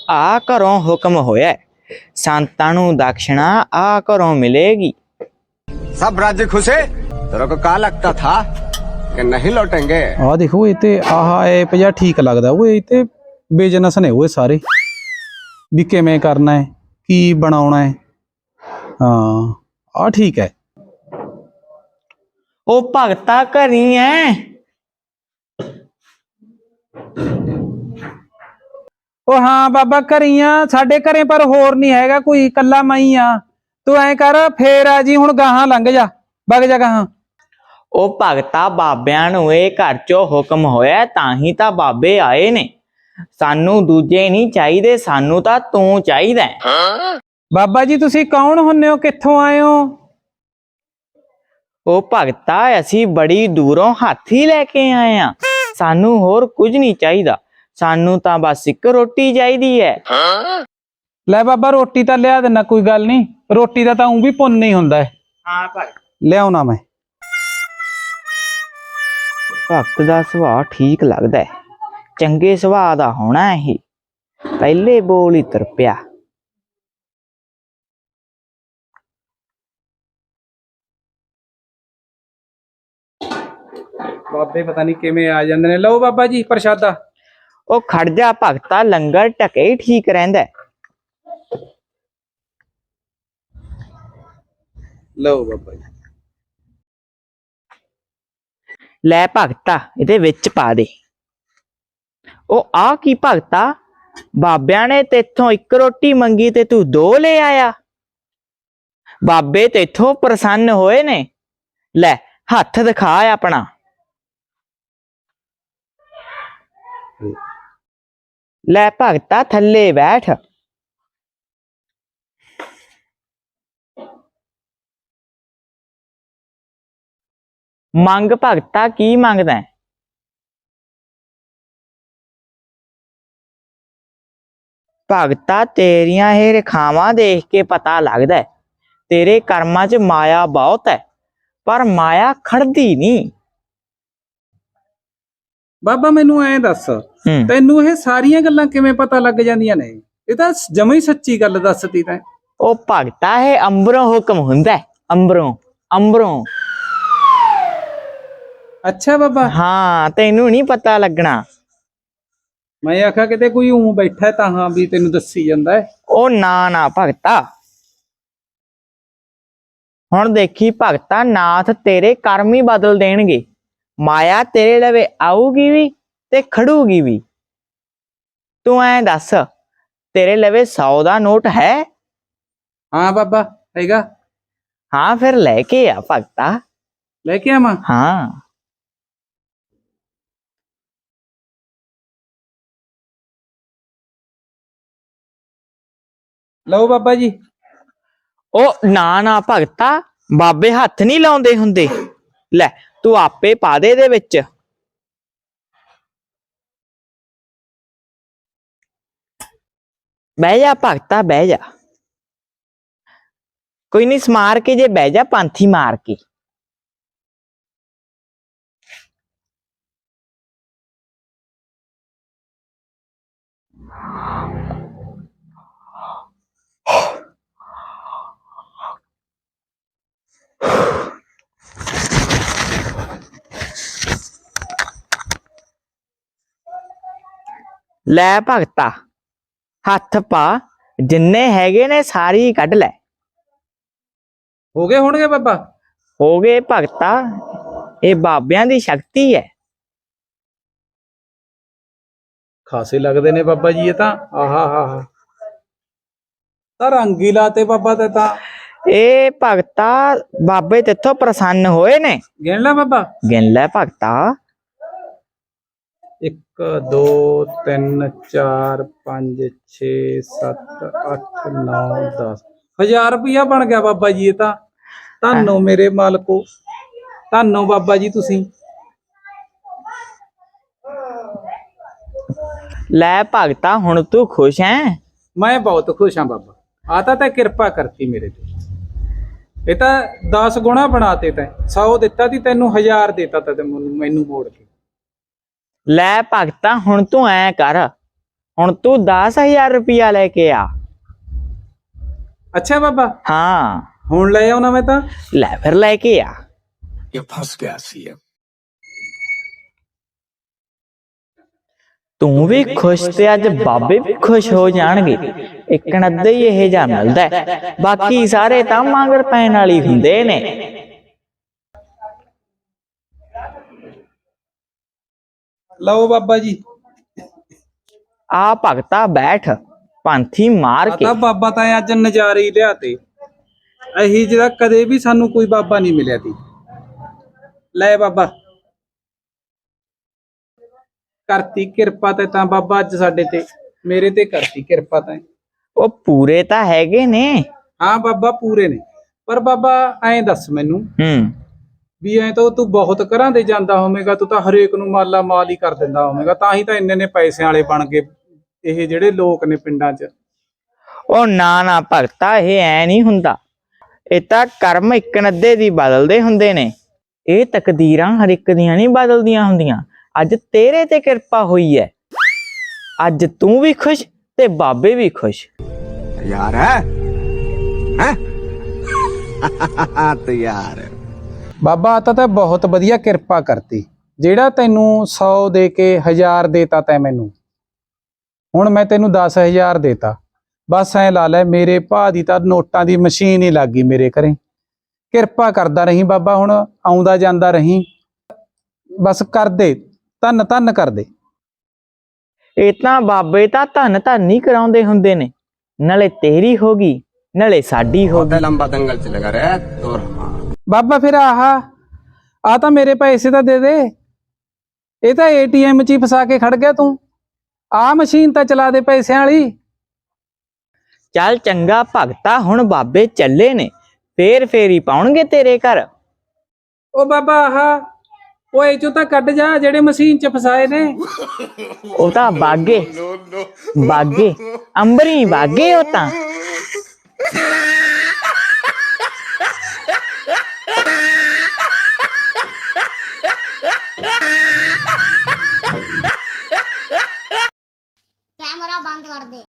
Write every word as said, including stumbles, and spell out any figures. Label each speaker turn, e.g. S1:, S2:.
S1: आ घरों हुक्म होया संतां नूं दक्षिणा आ घरों मिलेगी।
S2: सब राज्य खुशे। तेरे को क्या लगता था कि नहीं लौटेंगे?
S3: आ देखो ये ते आह ऐप जा ठीक लगदा वो ये ते बिजनेस ने वो सारे भी किवें करना है की बनाउणा है। हाँ आ ठीक है।
S1: ओ भगता घरी है?
S3: ओ हाँ बाबा घरी आ साडे घरे पर होर नहीं हैगा कोई कल्ला मैं ही आ। तू ऐ कर फेर आ जी हुण गाहां लंघ जा वग जा गाहां।
S1: ओ भगता बाबियां नूं इह घर चों हुक्म होया तां ही तां बाबे आए ने। सानू दूजे नहीं चाहिए सानू तां तू चाहिदा है।
S3: बाबा जी तुसी कौन हुन्ने हो कित्थों आए हो?
S1: ओ भगता असी बड़ी दूरों हाथी लेके आए हैं सानू होर कुछ नहीं चाहिदा सानू तां बस एक रोटी चाहिदी है।
S3: ले बाबा रोटी तां लिया देना कोई गल नहीं रोटी दा तां ऊं भी पुन्न नहीं हुंदा है।
S1: हाँ भगत
S3: लियाउणा मैं।
S1: भगत दा सुभाऽ ठीक लगदा है चंगे सुभाऽ दा होना है पहले बोल ही तुर पिया।
S3: बाबे पता नहीं किवें आ जांदे ने। लो बाबा जी प्रशादा।
S1: ओ खड़ जा भगता लंगर ढके ही ठीक रहिंदा है।
S3: लो बाबा जी।
S1: लै भगता इहदे विच पा दे। ओ आ की भगता बाबियां ने तेथों एक रोटी मंगी ते तू दो ले आया। बाबे तेथों प्रसन्न होए ने। लै हथ दिखा अपना। लै भगता थल्ले बैठ। मंग भगता की मंगदा है? भगता तेरियां ये रेखावां देख के पता लगदा है तेरे कर्मां च माया बहुत है पर माया खड़दी नहीं।
S3: बाबा मैनू ऐ दस तैनू ये सारियां गल्लां किवें पता लग जांदियां ने? ये तां जमां ही सच्ची गल दसती तैं।
S1: ओ भगता है अंबरों हुक्म हुंदा है अंबरों अंबरों।
S3: अच्छा बाबा।
S1: हाँ तैनू नहीं पता लगना।
S3: मैं आखा किते कोई ऊं बैठा तां हाँ भी तैनू दसी जांदा है।
S1: ओ ना ना भगता हुण देखी भगता नाथ तेरे कर्म ही बदल देणगे माया तेरे लवे आऊगी भी ते खड़ूगी भी। तू ऐ दस तेरे लवे सौ दा नोट है?
S3: हाँ बाबा हैगा।
S1: हाँ फिर लेके आ भगता।
S3: लेके आवां?
S1: हाँ
S3: लो बाबा जी।
S1: ओ ना ना भगता बाबे हथ नहीं लाउंदे हुंदे। लै तू आपे पा दे दे विच। बह जा भगता बह जा कोई नहीं समार के जे बह जा पांथी मार के। लै भगता हथ पा जिन्ने हैगे ने सारी कढ लै।
S3: हो गए होणगे बाबा?
S1: हो गए भगता ये बाबियां दी शक्ति है।
S3: खासे लगदे ने बाबा जी ये तां। आहा हा हा तां रंग ही लाते बाबा ते तां।
S1: ए भगता बाबे तेथों प्रसन्न होए ने।
S3: गिन ला बाबा।
S1: गिन लै भगता।
S3: एक दो तीन चार पांच छे सत्त अठ नौ दस हजार रुपया बन गया बाबा जी ये तां। धन्नो मेरे मालको धन्नो बाबा जी तुसी।
S1: लै भगता हुण तू खुश है?
S3: मैं बहुत खुश हाँ बाबा। आता तै किरपा करती मेरे ते। ये तां दस गुणा बनाते तैं। सौ दिता ती तैनू हजार देता ता मैनू मोड़ के।
S1: लै भगता हुण तू ऐ कर ਹੁਣ ਤੂੰ ਦਸ ਹਜ਼ਾਰ ਰੁਪਇਆ ਲੈ ਕੇ ਆ।
S3: ਅੱਛਾ ਬਾਬਾ,
S1: ਹਾਂ
S3: ਹੁਣ ਲੈ ਆਉਣਾ ਮੈਂ ਤਾਂ।
S1: ਲੈ ਫਿਰ ਲੈ ਕੇ ਆ।
S2: ये फंस गया सीएम।
S1: ਤੂੰ ਵੀ ਖੁਸ਼ ਤੇ ਅੱਜ ਬਾਬੇ ਵੀ ਖੁਸ਼ ਹੋ ਜਾਣਗੇ। ਇੱਕ ਨੱਦੇ ਹੀ ਇਹ ਜਾ ਮਿਲਦਾ ਹੈ, ਬਾਕੀ ਸਾਰੇ ਤਾਂ ਮਗਰ ਪੈਣ ਵਾਲੀ ਹੁੰਦੇ ਨੇ।
S3: ਲਓ ਬਾਬਾ ਜੀ।
S1: ਆ ਭਗਤਾ ਬੈਠ, ਪੰਥੀ ਮਾਰ ਕੇ।
S3: ਤਾਂ ਬਾਬਾ ਤਾਂ ਅੱਜ ਨਜ਼ਾਰੇ ਹੀ ਲਿਆਤੇ, ਅਹੀ ਜਿਹੜਾ ਕਦੇ ਵੀ ਸਾਨੂੰ ਕੋਈ ਬਾਬਾ ਨਹੀਂ ਮਿਲਿਆ ਤੀ। ਲੈ ਬਾਬਾ, ਕਰਤੀ ਕਿਰਪਾ ਤੇ ਤਾਂ ਬਾਬਾ ਅੱਜ ਸਾਡੇ ਤੇ, ਮੇਰੇ ਤੇ ਕਰਤੀ ਕਿਰਪਾ ਤਾਂ।
S1: ਉਹ ਪੂਰੇ ਤਾਂ ਹੈਗੇ ਨੇ।
S3: ਹਾਂ ਬਾਬਾ ਪੂਰੇ ਨੇ, ਪਰ ਬਾਬਾ ਐਂ ਦੱਸ ਮੈਨੂੰ
S1: ਹੂੰ
S3: ਵੀ ਐਂ ਤਾਂ ਤੂੰ ਬਹੁਤ ਘਰਾਂ ਦੇ ਜਾਂਦਾ ਹੋਵੇਂਗਾ, ਤੂੰ ਤਾਂ ਹਰੇਕ ਨੂੰ ਮਾਲਾ ਮਾਲ ਹੀ ਕਰ ਦਿੰਦਾ ਹੋਵੇਂਗਾ, ਤਾਂ ਹੀ ਤਾਂ ਇੰਨੇ ਨੇ ਪੈਸਿਆਂ ਵਾਲੇ ਬਣ ਗਏ ਇਹ ਜਿਹੜੇ ਲੋਕ ਨੇ ਪਿੰਡਾਂ 'ਚ।
S1: ਉਹ ਨਾ ਨਾ ਭਗਤਾ, ਇਹ ਐ ਨਹੀਂ ਹੁੰਦਾ। ਇਹ ਤਾਂ ਕਰਮ ਇੱਕ ਨੱਦੇ ਦੀ ਬਦਲਦੇ ਹੁੰਦੇ ਨੇ। ਇਹ ਤਕਦੀਰਾਂ ਹਰ ਇੱਕ ਦੀਆਂ ਨਹੀਂ ਬਦਲਦੀਆਂ ਹੁੰਦੀਆਂ। ਅੱਜ ਤੇਰੇ ਤੇ ਕਿਰਪਾ ਹੋਈ ਹੈ, ਅੱਜ ਤੂੰ ਵੀ ਖੁਸ਼ ਤੇ ਬਾਬੇ ਵੀ ਖੁਸ਼।
S2: तैयार है, हैं? तैयार है।
S3: ਬਾਬਾ ਆ ਤਾਂ ਤਾਂ ਬਹੁਤ ਵਧੀਆ ਕਿਰਪਾ ਕਰਤੀ, ਜਿਹੜਾ ਤੈਨੂੰ ਸੌ ਦੇ ਕੇ ਹਜ਼ਾਰ ਦੇਤਾ ਤੈਂ ਮੈਨੂੰ, ਹੁਣ ਮੈਂ ਤੈਨੂੰ ਦਸ ਹਜ਼ਾਰ ਦੇਤਾ। ਬਸ ਐ ਲਾ ਲੈ, ਮੇਰੇ ਭਾ ਦੀ ਤਾਂ ਨੋਟਾਂ ਦੀ ਮਸ਼ੀਨ ਹੀ ਲੱਗ ਗਈ ਮੇਰੇ ਘਰੇ। ਕਿਰਪਾ ਕਰਦਾ ਰਹੀਂ ਬਾਬਾ, ਹੁਣ ਆਉਂਦਾ ਜਾਂਦਾ ਰਹੀਂ, ਬਸ ਕਰ ਦੇ, ਧੰਨ ਧੰਨ ਕਰ ਦੇ।
S1: ਇਹ ਤਾਂ ਬਾਬੇ ਤਾਂ ਧੰਨ ਧੰਨ ਹੀ ਕਰਾਉਂਦੇ ਹੁੰਦੇ ਨੇ, ਨਾਲੇ ਤੇਰੀ ਹੋ ਗਈ ਨਾਲੇ ਸਾਡੀ ਹੋ
S2: बहुत
S1: ਗਈ।
S2: लंबा दंगल चलेगा रे तो।
S3: ਬਾਬਾ ਫਿਰ ਆਹ ਆ ਤਾਂ ਮੇਰੇ ਪੈਸੇ ਤਾਂ ਦੇ ਦੇ, ਇਹ ਤਾਂ ਏਟੀਐਮ 'ਚ ਹੀ ਫਸਾ ਕੇ ਖੜ ਗਿਆ ਤੂੰ। ਆਹ ਮਸ਼ੀਨ ਤਾਂ ਚਲਾ ਦੇ ਪੈਸਿਆਂ ਵਾਲੀ।
S1: ਚੱਲ ਚੰਗਾ ਭਗਤਾ, ਹੁਣ ਬਾਬੇ ਚੱਲੇ ਨੇ, ਫੇਰ ਫੇਰੀ ਪਾਉਣਗੇ ਤੇਰੇ ਘਰ।
S3: ਉਹ ਬਾਬਾ ਆਹ ਓਏ ਚੋਂ ਤਾਂ ਕੱਢ ਜਾ ਜਿਹੜੇ ਮਸ਼ੀਨ 'ਚ ਫਸਾਏ ਨੇ।
S1: ਉਹ ਤਾਂ ਬਾਗੇ ਬਾਗੇ ਅੰਬਰੀ ਬਾਗੇ ਉਹ ਤਾਂ।